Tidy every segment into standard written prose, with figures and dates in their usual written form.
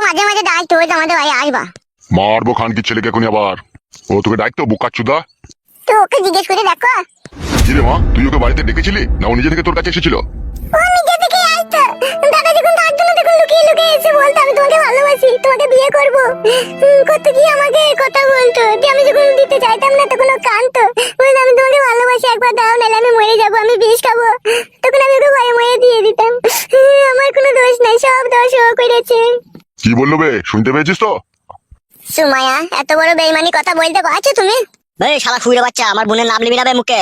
মাঝে মাঝে ডাকতো ওই তো আমাদের ভাই আসবা। মারবো খান কি ছেলেকে এখনই আবার। ও তোকে ডাকতো বুকাচুদা? তো ওকে জিজ্ঞেস করে দেখো। কি রে মা, তুই ওকে বাড়িতে ডেকেছিলি না ও নিজে থেকে তোর কাছে এসেছিল? ও নিজে থেকে আসতো। দাদা যখন থাকতো না তখন লুকিয়ে লুকিয়ে এসে বলতো আমি তোমাকে ভালোবাসি, তোমাকে বিয়ে করবো। কত কি আমাকে কথা বলতো, যে আমি যখন দিতে চাইতাম না তখন ও কাঁদতো, বলতো আমি তোমাকে ভালোবাসি, একবার দাও নাহলে আমি মরে যাবো, আমি বিষ খাবো। তখন আমি ওকে ভয়ে মরে দিয়ে দিতাম। আমার কোনো দোষ নাই, সব দোষ ও করেছে। কি বললো বে, শুনতে পেয়েছিস তো? সুমাইয়া, এত বড় বেইমানি কথা বলতে পারছো তুমি? এই শালা ফুইরে বাচ্চা, আমার বোনের নাম নিবি না বে মুখে।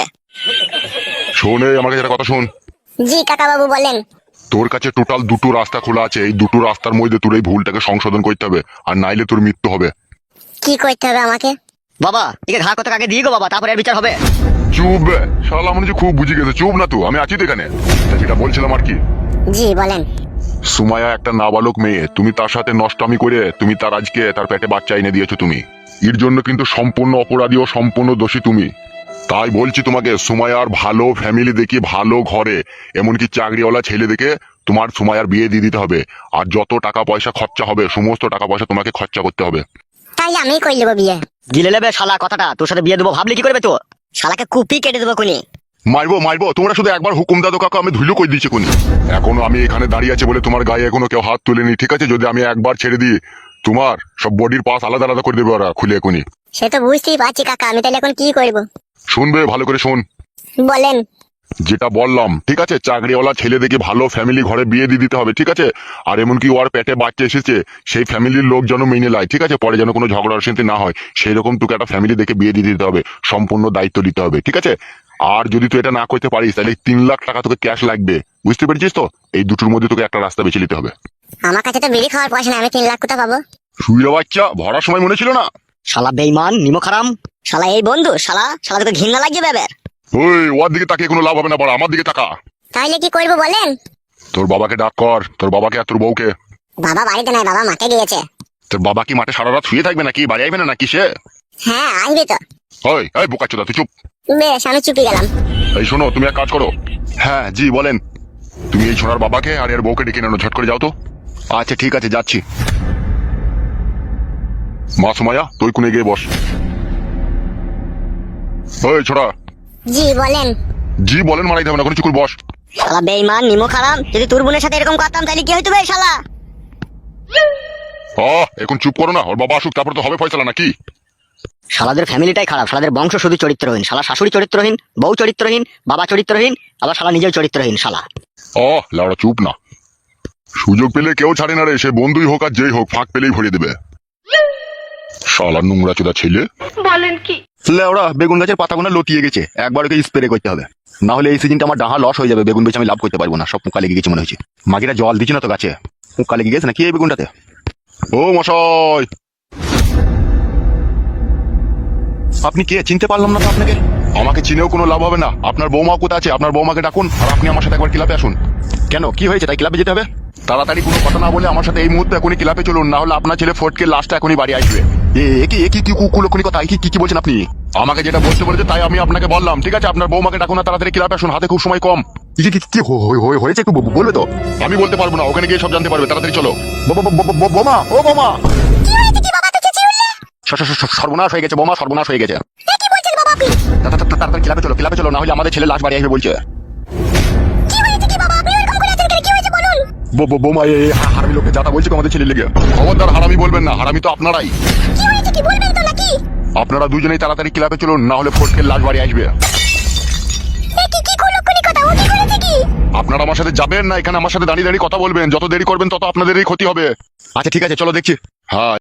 শোন, আমাকে যেটা কথা শোন। জি কাকা বাবু বলেন। তোর কাছে টোটাল দুটো রাস্তা খোলা আছে, এই দুটো রাস্তার মধ্যে তোর এই ভুলটাকে সংশোধন করতে হবে, আর নাইলে তোর মৃত্যু হবে। কি করতে হবে আমাকে? বাবা একে ঘা কত আগে দিয়ে গো বাবা, তারপরে এর বিচার হবে। চুপ বে, শালা মনে হচ্ছে খুব বুঝে গেছে। চুপ না তো, আমি আছি তো এখানে। তা যেটা বলছিলাম আর কি, জি বলেন। সুমাইয়া একটা নাবালক মেয়ে, তুমি তার সাথে নষ্টামি করে তুমি তার আজকে তার পেটে বাচ্চা এনে দিয়েছো তুমি। এর জন্য কিন্তু সম্পূর্ণ অপরাধী ও সম্পূর্ণ দোষী তুমি। তাই বলছি তোমাকে, সুমাইয়ার ভালো ফ্যামিলি দেখি, ভালো ঘরে, এমনকি চাকরিওয়ালা ছেলে দেখে তোমার সুমাইয়ার বিয়ে দিয়ে দিতে হবে। আর যত টাকা পয়সা খরচা হবে সমস্ত টাকা পয়সা তোমাকে খরচা করতে হবে। তাইলে আমি কই নেবো বিয়ে। গিলে নেবে শালা কথাটা, তোর সাথে বিয়ে দেবো ভাবলি কি করবে তো? শালাকে কুপি কেটে দেবো কোনি। মারবো, তোমরা শুধু একবার হুকুম দাও কাকা, আমি ধুলো কই দিয়েছি কোনি। এখনো আমি এখানে দাঁড়িয়ে আছে বলে তোমার গায়ে এখনো কেউ হাত তুলেনি, ঠিক আছে? যদি আমি একবার ছেড়ে দিই, তোমার সব বডির পাস আলাদা আলাদা করে দেবে ওরা খুলে এখনই। সে তো বুঝতেই পারছি কাকা, আমি তাহলে এখন কি করব? শুনবে, ভালো করে শোন বলেন। যেটা বললাম, ঠিক আছে? চাকরিওয়ালা ছেলে দেখে ভালো ফ্যামিলি ঘরে বিয়ে দিয়ে দিতে হবে, ঠিক আছে? আর এমনকি ওর পেটে বাচ্চা এসেছে, সেই ফ্যামিলির লোক যেন মেনে নেয়, ঠিক আছে? পরে যেন কোনো ঝগড়া অশান্তি না হয়, সেই রকম তোকে একটা ফ্যামিলি দেখে বিয়ে দিয়ে দিতে হবে, সম্পূর্ণ দায়িত্ব দিতে হবে, ঠিক আছে? আর যদি তুই এটা না করতে পারিস তাহলে 3 লাখ টাকা তোকে ক্যাশ লাগবে, বুঝতে পেরেছিস তো? এই দুটোর মধ্যে তোকে একটা রাস্তা বেছে নিতে হবে। আমার কাছে তো বিড়ি খাওয়ার পয়সা নেই, আমি 3 লাখ কোথা পাবো? শুইরা বাচ্চা, ভরার সময় মনে ছিল না? শালা বেইমান নিমক হারাম শালা, এই বন্ধু শালা, শালা তোকে ঘৃণা লাগছে বেবের। ওই ওর দিকে তাকিয়ে কোনো লাভ হবে না, বড় আমার দিকে তাকা। তাইলে কি করবো বলেন? তোর বাবাকে ডাক কর, তোর বাবাকে আর তোর বউকে। বাবা বাড়িতে নাই, বাবা মাঠে গিয়েছে। তোর বাবা কি মাঠে সারা রাত শুয়ে থাকবে নাকি? বাড়ি আসবে না নাকি সে? হ্যাঁ আসবে তো। ওই বোকাচোদা, তুই চুপ। বেশ, আমি চুপি গেলাম। এই শোনো, তুমি এক কাজ করো। হ্যাঁ জি বলেন। তুমি এই ছোড়ার বাবাকে আর এর বউকে ডেকে নেনো, ঝট করে যাও তো। আচ্ছা ঠিক আছে, যাচ্ছি। মা সুমাইয়া, তুই কোণে গিয়ে বস। ওই ছোড়া। জি বলেন। জি বলেন মারাইতে হবে না, কোনো চুকুর বস। শালা বেইমান নিমক হারাম, যদি তোর বোনের সাথে এরকম করতাম তাহলে কি হইতো বে শালা? এখন চুপ করো না, ওর বাবা আসুক তারপর তো হবে ফয়সালা নাকি? শালাদের ফ্যামিলিটাই খারাপ, শালাদের বংশ শুধু চরিত্রহীন। শালা শাশুড়ি চরিত্রহীন, বউ চরিত্রহীন, বাবা চরিত্রহীন, আবার শালা নিজেও চরিত্রহীন শালা। লাউড়া চুপ না। সুযোগ পেলে কেউ ছাড়ে না রে, সে বন্ধুই হোক আর যেই হোক, ফাঁক পেলেই ভরিয়ে দেবে। শালা নোংরা চোদা ছেলে। বলেন কি? লেওড়া বেগুন গাছের পাতাগুলো লতিয়ে গেছে, একবার ওকে স্প্রে করতে হবে, না হলে এই সিজনটা আমার ডাহা লস হয়ে যাবে। বেগুন বেচে আমি লাভ করতে পারবো না, সব পোকা লেগে গেছে মনে হচ্ছে। মাগিরা জল দিচ্ছে না তো গাছে, পোকা লেগে গেছে নাকি এই বেগুনটাতে? ও মশাই, আপনি কে? চিনতে পারলাম না তো আপনাকে। আমাকে চিনেও কোনো লাভ হবে না। আপনার বৌমা কোথায় আছে? আপনার বৌমাকে ডাকুন, আর আপনি আমার সাথে একবার ক্লাবে আসুন। কেন, কি হয়েছে? তাই ক্লাবে যেতে হবে? তাড়াতাড়ি কোনো কথা না বলে আমার সাথে এই মুহূর্তে এখনই ক্লাবে চলুন, না হলে আপনার ছেলে ফটকে লাস্টটা এখনই বাড়ি আসবে। কি কুকুলক্ষণি কথা, কি বলছেন আপনি? আমাকে যেটা বলতে বলেছে তাই আমি আপনাকে বললাম, ঠিক আছে? আপনার বৌমাকে ডাকুন না, তাড়াতাড়ি ক্লাবে আসুন, হাতে খুব সময় কম। কি হয়েছে একটু বলবে তো? আমি বলতে পারবো না, ওখানে গিয়ে সব জানতে পারবে। তাড়াতাড়ি চলো। বোমা, ও বোমা! কি হয়েছে কি বাবা, তো চেঁচিয়ে উঠলে? সর্বনাশ হয়ে গেছে বোমা, সর্বনাশ হয়ে গেছে। কি বলছেন বাবা আপনি? তাড়াতাড়ি ক্লাবে চলো, না হলে আমাদের ছেলে লাশ বাড়ি আসবে বলছে। কি হয়েছে কি বাবা, আপনি এরকম করে আছেন কেন? কি হয়েছে বলুন। বোমা, হারামি লোককে যাতা বলছে আমাদের ছেলে লেগে। খবরদার হারামি বলবেন না, হারামি তো আপনারাই। কি হয়েছে কি বলবেন তো নাকি? আপনারা দুজনেই তাড়াতাড়ি ক্লাবে চলুন, না হলে ফটকের লাশ বাড়ি আসবে। কি কুলক্ষণি কথা, ও কি করেছে কি? আপনারা আমার সাথে যাবেন না, এখানে আমার সাথে দাঁড়িয়ে দাঁড়িয়ে কথা বলবেন। যত দেরি করবেন তত আপনাদেরই ক্ষতি হবে। আচ্ছা ঠিক আছে, চলো দেখছি। হ্যাঁ।